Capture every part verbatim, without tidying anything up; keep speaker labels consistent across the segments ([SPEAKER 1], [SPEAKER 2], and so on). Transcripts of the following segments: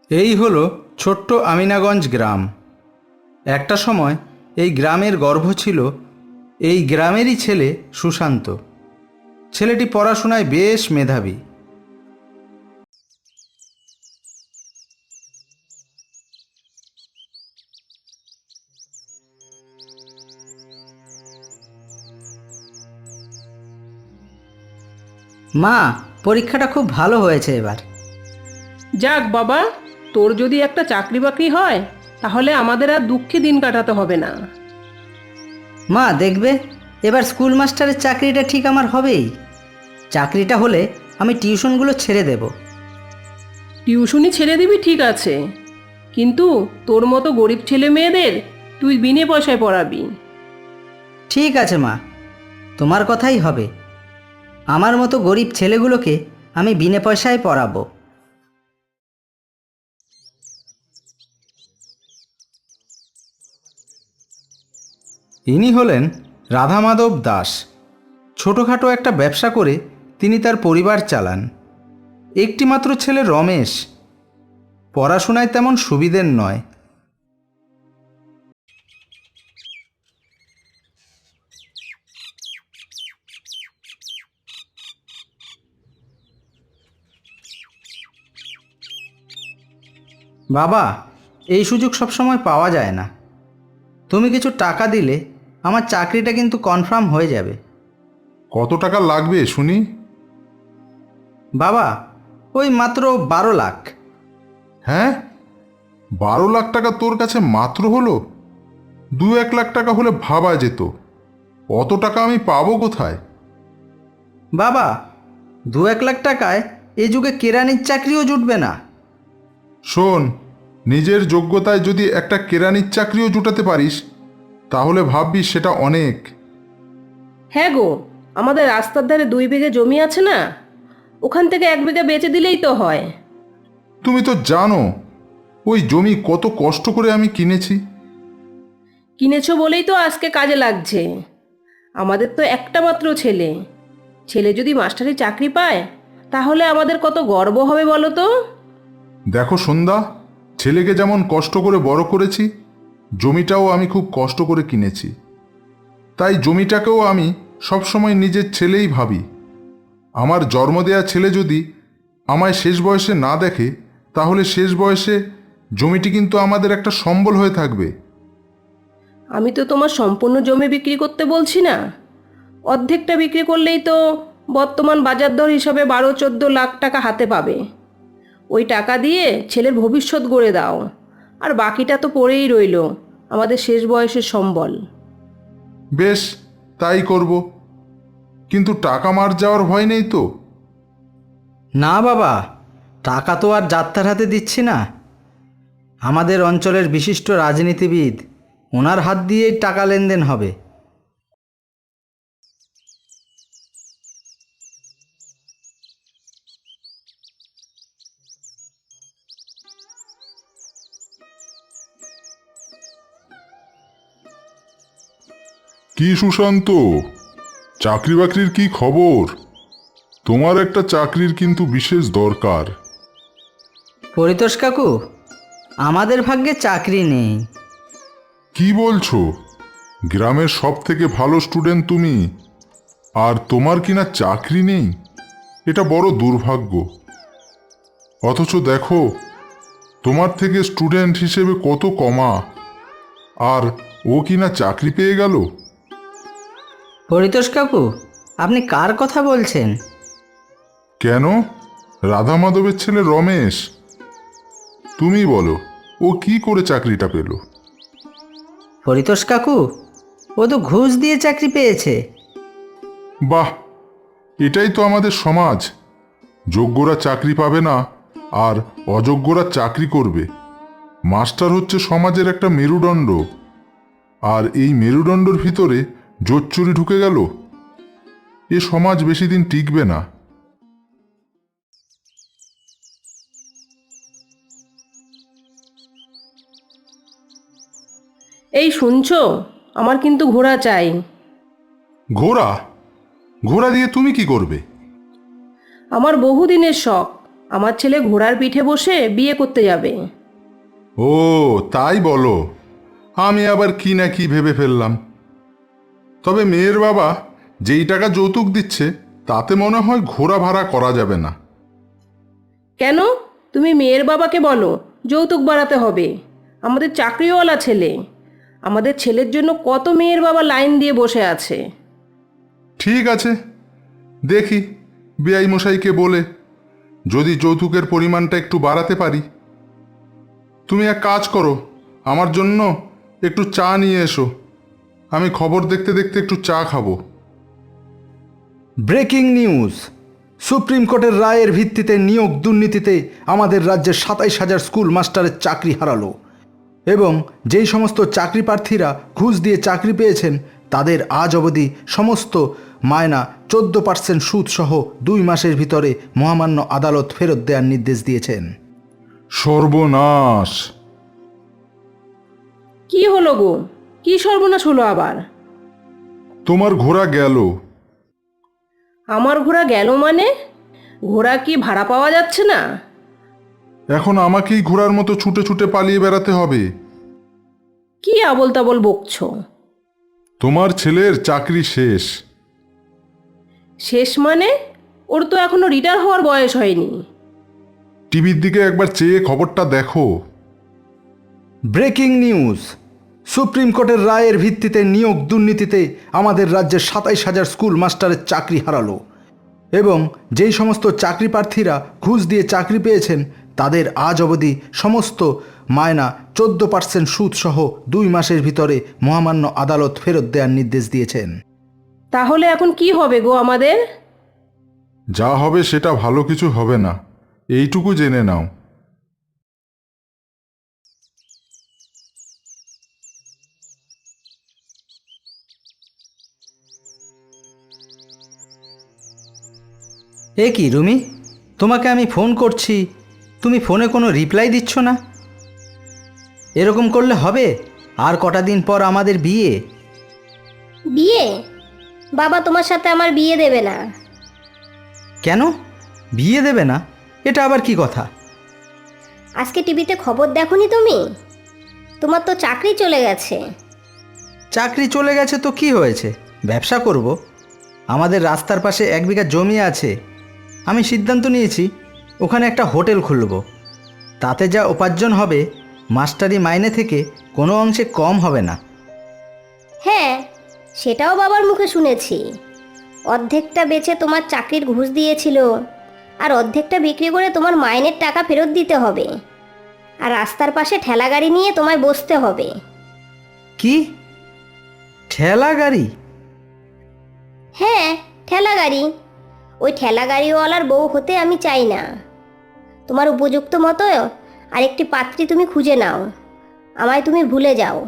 [SPEAKER 1] এই হলো ছোট্ট আমিনাগঞ্জ গ্রাম। একটা সময় এই গ্রামের গর্ব ছিল এই গ্রামেরই ছেলে সুশান্ত। ছেলেটি পড়াশোনায় বেশ মেধাবী।
[SPEAKER 2] মা, পরীক্ষাটা খুব ভালো হয়েছে এবার।
[SPEAKER 3] যাক বাবা, তোর যদি একটা চাকরি বাকরি হয় তাহলে আমাদের আর দুঃখে দিন কাটাতে হবে না।
[SPEAKER 2] মা দেখবে, এবার স্কুল মাস্টারের চাকরিটা ঠিক আমার হবেই। চাকরিটা হলে আমি টিউশনগুলো ছেড়ে দেব।
[SPEAKER 3] টিউশনি ছেড়ে দিবি ঠিক আছে, কিন্তু তোর মতো গরিব ছেলে মেয়েদের তুই বিনে পয়সায় পড়াবি।
[SPEAKER 2] ঠিক আছে মা, তোমার কথাই হবে। আমার মতো গরিব ছেলেগুলোকে আমি বিনা পয়সায় পড়াবো।
[SPEAKER 1] ইনি হলেন রাধা মাধব দাস। ছোটোখাটো একটা ব্যবসা করে তিনি তার পরিবার চালান। একটিমাত্র ছেলে রমেশ পড়াশোনায় তেমন সুবিধের নয়। বাবা, এই সুযোগ সবসময় পাওয়া যায় না। তুমি কিছু টাকা দিলে আমার চাকরিটা কিন্তু কনফার্ম হয়ে যাবে।
[SPEAKER 4] কত টাকা লাগবে শুনি?
[SPEAKER 1] বাবা, ওই মাত্র বারো লাখ।
[SPEAKER 4] হ্যাঁ, বারো লাখ টাকা তোর কাছে মাত্র হলো? দু এক লাখ টাকা হলে ভাবা যেত। অত টাকা আমি পাবো কোথায়?
[SPEAKER 1] বাবা, দু এক লাখ টাকায় এ যুগে কেরানির চাকরিও জুটবে না।
[SPEAKER 4] শোন, নিজের যোগ্যতায় যদি একটা কেরানির চাকরিও জুটাতে পারিস তাহলে ভাববি সেটা অনেক।
[SPEAKER 3] হ্যাঁ গো, আমাদের রাস্তার ধারে দুই বিঘে জমি আছে না, ওখান থেকে এক বিঘা বেচে দিলেই তো হয়।
[SPEAKER 4] তুমি তো জানো ওই জমি কত কষ্ট করে আমি কিনেছি।
[SPEAKER 3] কিনেছো বলেই তো আজকে কাজে লাগছে। আমাদের তো একটা মাত্র ছেলে, ছেলে যদি মাস্টারি চাকরি পায় তাহলে আমাদের কত গর্ব হবে বলো তো।
[SPEAKER 4] দেখো সন্ধ্যা, ছেলেকে যেমন কষ্ট করে বড় করেছি, জমিটাও আমি খুব কষ্ট করে কিনেছি। তাই জমিটাকেও আমি সবসময় নিজের ছেলেই ভাবি। আমার জন্ম দেয়া ছেলে যদি আমায় শেষ বয়সে না দেখে তাহলে শেষ বয়সে জমিটি কিন্তু আমাদের একটা সম্বল হয়ে থাকবে।
[SPEAKER 3] আমি তো তোমার সম্পূর্ণ জমি বিক্রি করতে বলছি না, অর্ধেকটা বিক্রি করলেই তো বর্তমান বাজার দর হিসাবে বারো চোদ্দো লাখ টাকা হাতে পাবে। ওই টাকা দিয়ে ছেলের ভবিষ্যৎ গড়ে দাও, আর বাকিটা তো পড়েই রইল আমাদের শেষ বয়সের সম্বল।
[SPEAKER 4] বেশ, তাই করব। কিন্তু টাকা মার যাওয়ার ভয় নেই তো?
[SPEAKER 1] না বাবা, টাকা তো আর যাত্রার হাতে দিচ্ছি না। আমাদের অঞ্চলের বিশিষ্ট রাজনীতিবিদ, ওনার হাত দিয়েই টাকা লেনদেন হবে।
[SPEAKER 4] কি সুশান্ত, চাকরি বাকরির কি খবর? তোমার একটা চাকরির কিন্তু বিশেষ দরকার।
[SPEAKER 2] পরিতোষ কাকু, আমাদের ভাগ্যে চাকরি নেই।
[SPEAKER 4] কি বলছো? গ্রামের সব থেকে ভালো স্টুডেন্ট তুমি, আর তোমার কিনা চাকরি নেই? এটা বড় দুর্ভাগ্য। অথচ দেখো তোমার থেকে স্টুডেন্ট হিসেবে কত কমা, আর ও কিনা চাকরি পেয়ে গেল।
[SPEAKER 2] পরিতোষ কাকু, আপনি কার কথা বলছেন?
[SPEAKER 4] কেন, রাধা মাধবের ছেলে রমেশ। তুমি বলো, ও কি করে চাকরিটা পেল?
[SPEAKER 2] পরিতোষ কাকু, ও তো ঘুষ দিয়ে চাকরি পেয়েছে।
[SPEAKER 4] বাহ, এটাই তো আমাদের সমাজ। যোগ্যরা চাকরি পাবে না আর অযোগ্যরা চাকরি করবে। মাস্টার হচ্ছে সমাজের একটা মেরুদণ্ড, আর এই মেরুদণ্ডের ভিতরে জোচ্চুরি ঢুকে গেল। এ সমাজ বেশি দিন টিকবে না।
[SPEAKER 3] এই শুনছো, আমার কিন্তু ঘোড়া চাই।
[SPEAKER 4] ঘোড়া? ঘোড়া দিয়ে তুমি কি করবে?
[SPEAKER 3] আমার বহুদিনের শখ, আমার ছেলে ঘোড়ার পিঠে বসে বিয়ে করতে যাবে।
[SPEAKER 4] ও তাই বলো, আমি আবার কি না কি ভেবে ফেললাম। তবে মেয়ের বাবা যেই টাকা যৌতুক দিচ্ছে তাতে মনে হয় ঘোড়া ভাড়া করা যাবে না।
[SPEAKER 3] কেন? তুমি মেয়ের বাবাকে বলো যৌতুক বাড়াতে হবে। আমাদের চাকরিওয়ালা ছেলে, আমাদের ছেলের জন্য কত মেয়ের বাবা লাইন দিয়ে বসে আছে।
[SPEAKER 4] ঠিক আছে, দেখি বেআই মশাইকে বলে যদি যৌতুকের পরিমাণটা একটু বাড়াতে পারি। তুমি এক কাজ করো, আমার জন্য একটু চা নিয়ে এসো, আমি খবর দেখতে দেখতে একটু চা খাবো।
[SPEAKER 1] Breaking news! সুপ্রিম কোর্টের রায়ের ভিত্তিতে নিয়োগ দুর্নীতিতে আমাদের রাজ্যের সাতাইশ হাজার স্কুল মাস্টারের চাকরি হারালো এবং যেই সমস্ত চাকরি প্রার্থীরা ঘুষ দিয়ে চাকরি পেয়েছেন তাদের আজ অবধি সমস্ত মায়না চোদ্দ পার্সেন্ট সুদসহ দুই মাসের ভিতরে মহামান্য আদালত ফেরত দেওয়ার নির্দেশ দিয়েছেন।
[SPEAKER 4] সর্বনাশ!
[SPEAKER 3] কি হলো গো? কি সর্বনাশ হলো আবার?
[SPEAKER 4] তোমার ঘোড়া গেল।
[SPEAKER 3] আমার ঘোড়া গেল মানে? ঘোড়া কি ভাড়া পাওয়া যাচ্ছে না?
[SPEAKER 4] এখন আমাকেই ঘোড়ার মতো ছুটে ছুটে পালিয়ে বেড়াতে হবে।
[SPEAKER 3] কি আবল তাবল বকছো?
[SPEAKER 4] তোমার ছেলের চাকরি শেষ।
[SPEAKER 3] শেষ মানে? ওর তো এখনো রিটায়ার হওয়ার বয়স হয়নি।
[SPEAKER 4] টিভির দিকে একবার চেয়ে খবরটা দেখো।
[SPEAKER 1] Breaking news! সুপ্রিম কোর্টের রায়ের ভিত্তিতে নিয়োগ দুর্নীতিতে আমাদের রাজ্যের সাতাইশ হাজার স্কুল মাস্টারের চাকরি হারালো এবং যেই সমস্ত চাকরি প্রার্থীরা ঘুষ দিয়ে চাকরি পেয়েছেন তাদের আজ অবধি সমস্ত মায়না চোদ্দ পার্সেন্ট সুদসহ দুই মাসের ভিতরে মহামান্য আদালত ফেরত দেওয়ার নির্দেশ দিয়েছেন।
[SPEAKER 3] তাহলে এখন কি হবে গো আমাদের?
[SPEAKER 4] যা হবে সেটা ভালো কিছু হবে না, এইটুকু জেনে নাও।
[SPEAKER 2] এ কি রুমি, তোমাকে আমি ফোন করছি, তুমি ফোনে কোনো রিপ্লাই দিচ্ছ না। এরকম করলে হবে? আর কটা দিন পর আমাদের বিয়ে।
[SPEAKER 5] বিয়ে? বাবা তোমার সাথে আমার বিয়ে দেবে না।
[SPEAKER 2] কেন বিয়ে দেবে না? এটা আবার কি কথা?
[SPEAKER 5] আজকে টিভিতে খবর দেখোনি তুমি? তোমার তো চাকরি চলে গেছে।
[SPEAKER 2] চাকরি চলে গেছে তো কি হয়েছে, ব্যবসা করব। আমাদের রাস্তার পাশে এক বিঘা জমি আছে, আমি সিদ্ধান্ত নিয়েছি ওখানে একটা হোটেল খুলব। তাতে যা উপার্জন হবে মাস্টারি মাইনে থেকে কোনো অংশে কম হবে না।
[SPEAKER 5] হ্যাঁ, সেটাও বাবার মুখে শুনেছি। অর্ধেকটা বেচে তোমার চাকরির ঘুষ দিয়েছিল, আর অর্ধেকটা বিক্রি করে তোমার মাইনের টাকা ফেরত দিতে হবে। আর রাস্তার পাশে ঠেলা গাড়ি নিয়ে তোমায় বসতে হবে।
[SPEAKER 2] কি ঠেলা গাড়ি?
[SPEAKER 5] হ্যাঁ, ঠেলা গাড়ি। ওই ঠেলা গাড়িওয়ালার বউ হতে আমি চাই না। তোমার উপযুক্ত মতো আরেকটি পাত্রী তুমি খুঁজে নাও, আমায় তুমি ভুলে যাও।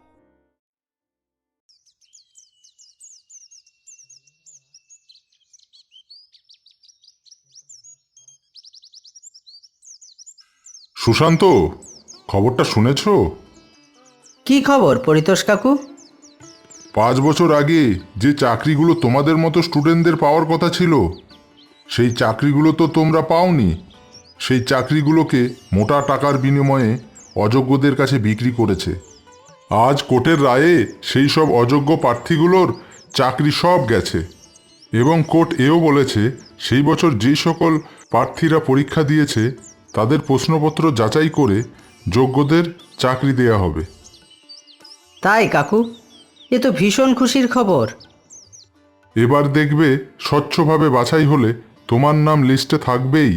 [SPEAKER 4] সুশান্ত, খবরটা শুনেছ?
[SPEAKER 2] কি খবর পরিতোষ কাকু?
[SPEAKER 4] পাঁচ বছর আগে যে চাকরিগুলো তোমাদের মতো স্টুডেন্টদের পাওয়ার কথা ছিল সেই চাকরিগুলো তো তোমরা পাওনি। সেই চাকরিগুলোকে মোটা টাকার বিনিময়ে অযোগ্যদের কাছে বিক্রি করেছে। আজ কোর্টের রায়ে সেই সব অযোগ্য প্রার্থীগুলোর চাকরি সব গেছে এবং কোর্ট এও বলেছে সেই বছর যে সকল প্রার্থীরা পরীক্ষা দিয়েছে তাদের প্রশ্নপত্র যাচাই করে যোগ্যদের চাকরি দেয়া হবে।
[SPEAKER 2] তাই কাকু, এ তো ভীষণ খুশির খবর।
[SPEAKER 4] এবার দেখবে স্বচ্ছভাবে বাছাই হলে তোমার নাম লিস্টে থাকবেই।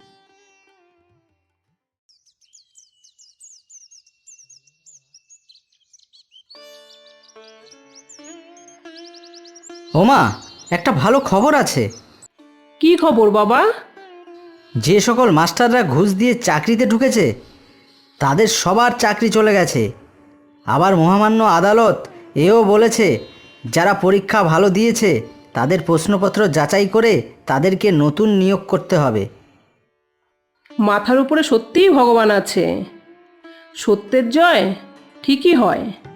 [SPEAKER 2] ওমা, একটা ভালো খবর আছে।
[SPEAKER 3] কি খবর বাবা?
[SPEAKER 2] যে সকল মাস্টাররা ঘুষ দিয়ে চাকরিতে ঢুকেছে তাদের সবার চাকরি চলে গেছে। আবার মহামান্য আদালত এও বলেছে যারা পরীক্ষা ভালো দিয়েছে তাদের প্রশ্নপত্র যাচাই করে তাদেরকে নতুন নিয়োগ করতে হবে।
[SPEAKER 3] মাথার উপরে সত্যিই ভগবান আছে। সত্যের জয় ঠিকই হয়।